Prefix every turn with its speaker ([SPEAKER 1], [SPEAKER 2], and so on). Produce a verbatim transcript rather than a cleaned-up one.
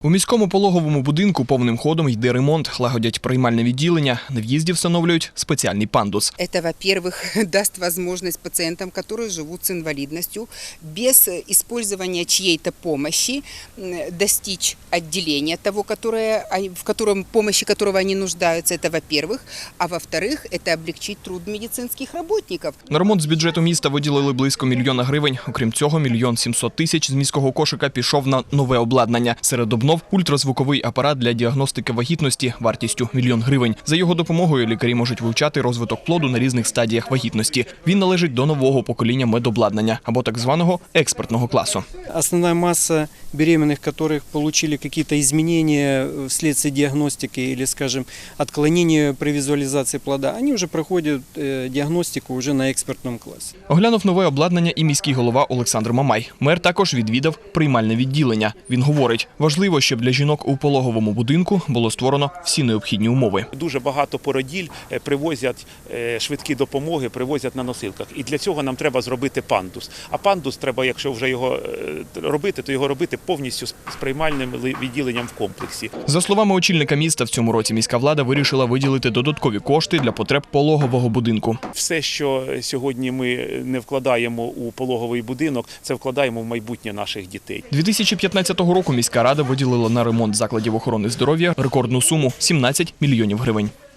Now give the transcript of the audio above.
[SPEAKER 1] У міському пологовому будинку повним ходом йде ремонт, лагодять приймальне відділення, на в'їзді встановлюють спеціальний пандус.
[SPEAKER 2] Это, во-первых, даст возможность пациентам, которые живут с инвалидностью, без использования чьей-то помощи достичь отделения того, которое, в котором, помощи которого они нуждаются, это во-первых. А во-вторых, это облегчить труд медицинских работников.
[SPEAKER 1] На ремонт з бюджету міста виділили близько мільйона гривень. Окрім цього, мільйон сімсот тисяч з міського кошика пішов на нове обладнання. Серед обнов – ультразвуковий апарат для діагностики вагітності вартістю мільйон гривень. За його допомогою лікарі можуть вивчати розвиток плоду на різних стадіях вагітності. Він належить до нового покоління медобладнання, або так званого експертного класу.
[SPEAKER 3] Основная масса беременных, которых получили какие-то изменения вследствие диагностики или, скажем, отклонения при визуализации плода, они уже проходят диагностику уже на экспертном классе.
[SPEAKER 1] Оглянув нове обладнання і міський голова Олександр Мамай. Мер також відвідав приймальне відділення. Він говорить, важливо, щоб для жінок у пологовому будинку було створено всі необхідні умови.
[SPEAKER 4] Дуже багато породіль привозять швидкі допомоги, привозять на носилках. І для цього нам треба зробити пандус. А пандус треба, якщо вже його робити, то його робити повністю з приймальним відділенням в комплексі.
[SPEAKER 1] За словами очільника міста, в цьому році міська влада вирішила виділити додаткові кошти для потреб пологового будинку.
[SPEAKER 4] Все, що сьогодні ми не вкладаємо у пологовий будинок, це вкладаємо в майбутнє наших дітей.
[SPEAKER 1] дві тисячі п'ятнадцятого року міська рада виділила на ремонт закладів охорони здоров'я рекордну суму – сімнадцять мільйонів гривень.